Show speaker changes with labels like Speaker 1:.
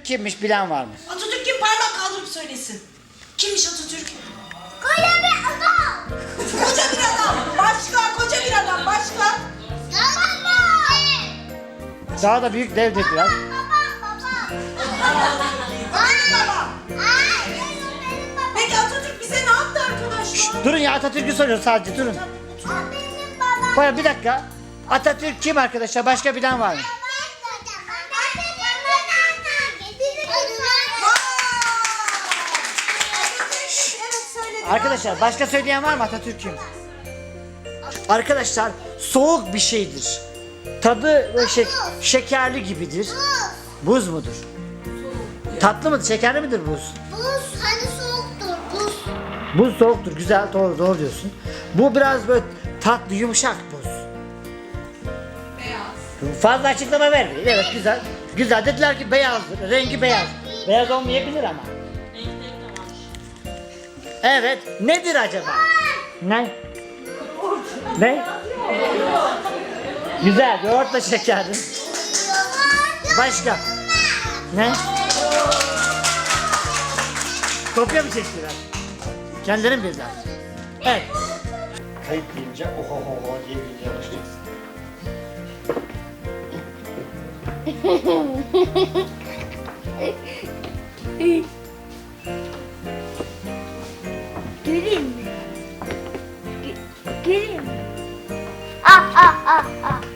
Speaker 1: kimmiş bilen var mı?
Speaker 2: Atatürk kim? Parmak kaldırıp söylesin. Kimmiş Atatürk?
Speaker 3: Koca bir adam.
Speaker 2: Koca bir adam. Başka, koca bir adam. Başka?
Speaker 1: Daha da büyük devdir biraz.
Speaker 2: Benim babam. Peki Atatürk bize ne yaptı arkadaşlar?
Speaker 1: Durun ya, Atatürk'ü soruyor sadece, durun. Baya bir dakika. Atatürk kim arkadaşlar? Başka bilen var mı?
Speaker 2: Evet söyledim.
Speaker 1: Arkadaşlar başka söyleyen var mı? Atatürk kim? Arkadaşlar soğuk bir şeydir. Tadı böyle şekerli gibidir. Buz mudur? Tatlı mıdır? Şekerli midir buz?
Speaker 3: Buz hani soğuktur buz.
Speaker 1: Buz soğuktur. Güzel, doğru diyorsun. Bu biraz böyle tatlı, yumuşak buz.
Speaker 2: Beyaz.
Speaker 1: Fazla açıklama vermeyin. Evet, güzel. Güzel. Dediler ki beyazdır. Rengi beyaz. Beyaz olmayabilir ama. Evet. Nedir acaba? Ne? Ne? Güzel. Yoğurtla şekerli. Başka? Ne? Kopya mı çektiler? Kendileri mi bildiler? Evet. Kayıp deyince oho diye bilmeye başlayacaksın.
Speaker 3: Göreyim mi? Göreyim mi? Ah ah ah ah.